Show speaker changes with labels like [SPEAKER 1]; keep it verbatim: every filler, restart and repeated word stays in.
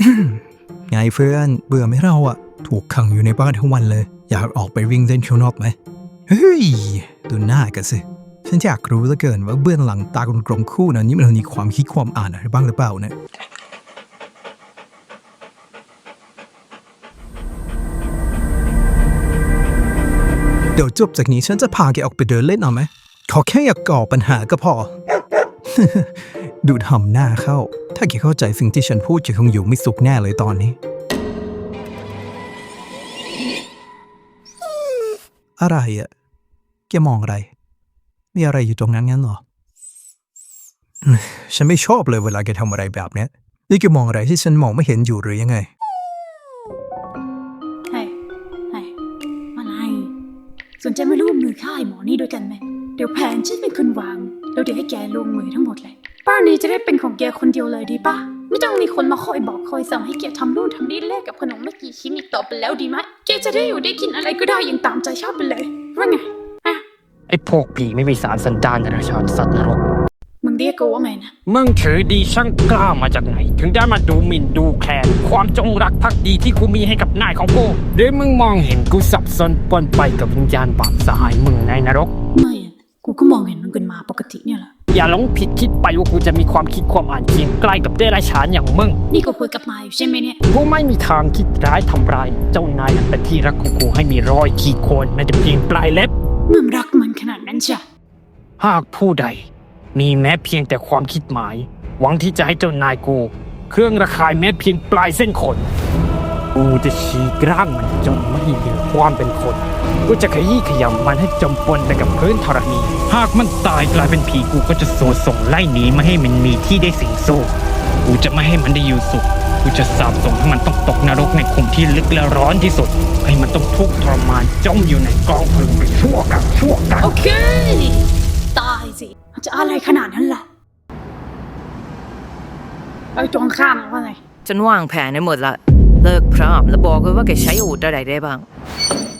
[SPEAKER 1] ไงเพื่อนเบื่อไหมเราอะถูกขังอยู่ในบ้านทั้งวันเลยอยากออกไปวิ่งเล่นข้างนอกไหมเฮ้ยดูหน้ากันสิฉันอยากรู้เหลือเกินว่าเบื้องหลังตากลมๆคู่นั้นนี่มันมีความคิดความอ่านอะไรบ้างหรือเปล่าเนี่ยเดี๋ยวจบจากนี้ฉันจะพาแกออกไปเดินเล่นเอาไหมขอแค่อยากก่อปัญหาก็พอ ดูทำหน้าเข้าถ้าแกเข้าใจสิ่งที่ฉันพูดแกคงอยู่ไม่สุขแน่เลยตอนนี้อะไรอะแกมองอะไรมีอะไรอยู่ตรงนั้นงั้นเหรอฉันไม่ชอบเลยเวลาแกทำอะไรแบบนี้นี่แกมองอะไรที่ฉันมองไม่เห็นอยู่หรือยังไง
[SPEAKER 2] เฮ้ยเฮ้ยอะไรสนใจมาร่วมมือฆ่าไอ้หมอนี่ด้วยกันไหมเดี๋ยวแผนฉันเป็นคนวางแล้วเดี๋ยวให้แกลงมือทั้งหมดเลยบ้านนี้จะได้เป็นของแกคนเดียวเลยดีป่ะไม่ต้องมีคนมาคอยบอกคอยสั่งให้แกทำนู่นทำนี่แลกกับขนมไม่กี่ชิ้นอีกต่อไปแล้วดีไหมแกจะได้อยู่ได้กินอะไรก็ได้อย่างตามใจชอบไปเลยว่าไงอะ
[SPEAKER 3] ไอ้พวกผีไม่มีสารสันดานราชาสัตว์นรก
[SPEAKER 2] มึงเรียกกูว่าไงนะ
[SPEAKER 3] มึงถือดีช่างกล้ามาจากไหนถึงได้มาดูหมิ่นดูแคลนความจงรักภักดีที่กูมีให้กับนายของกูเดี๋ยวมึงมองเห็นกูสับสนปนไปกับวิญญาณบาปสหายมึงในนรก
[SPEAKER 2] ไม่อะกูก็มองเห็นมึงเป็นหมาปกติเนี่ยแหละ
[SPEAKER 3] อย่าหลงผิดคิดไปว่ากูจะมีความคิดความอ่านเคียงใกล้กับเดรัจฉานอย่างมึง
[SPEAKER 2] นี่กูคุยกับมาอยู่ใช่ไหมเนี่ย
[SPEAKER 3] กูไม่มีทางคิดร้ายทำร้ายเจ้านายอันเป็นที่รักของกูให้มีรอยขีดข่วนแม้แต่เพียงปลายเล็บ
[SPEAKER 2] มึงรักมันขนาดนั้นจ้ะ
[SPEAKER 3] หากผู้ใดมีแม้เพียงแต่ความคิดหมายหวังที่จะให้เจ้านายกูเครื่องระคายแม้เพียงปลายเส้นขนกูจะฉีกร่างมันจนไม่เหลือความเป็นคนกูจะขยี้ขยำมันให้จมปนไปกับพื้นธรณีหากมันตายกลายเป็นผีกูก็จะโซ่ส่งไล่หนีไม่ให้มันมีที่ได้สิงสู่กูจะไม่ให้มันได้อยู่สุขกูจะสาปส่งให้มันต้องตกนรกในขุมที่ลึกและร้อนที่สุดให้มันต้องทุกข์ทรมานจมอยู่ในกองเพลิงไปชั่วกับชั่วกัน
[SPEAKER 2] โอเคตายสิจะอะไรขนาดนั้นล่ะไอ้ตรงข้ามว่าไง
[SPEAKER 4] ฉันวางแผนได้หมดละเลิกพร้อมแล้วบอกเลยว่าแกใช้อาวุธอะไรได้บ้าง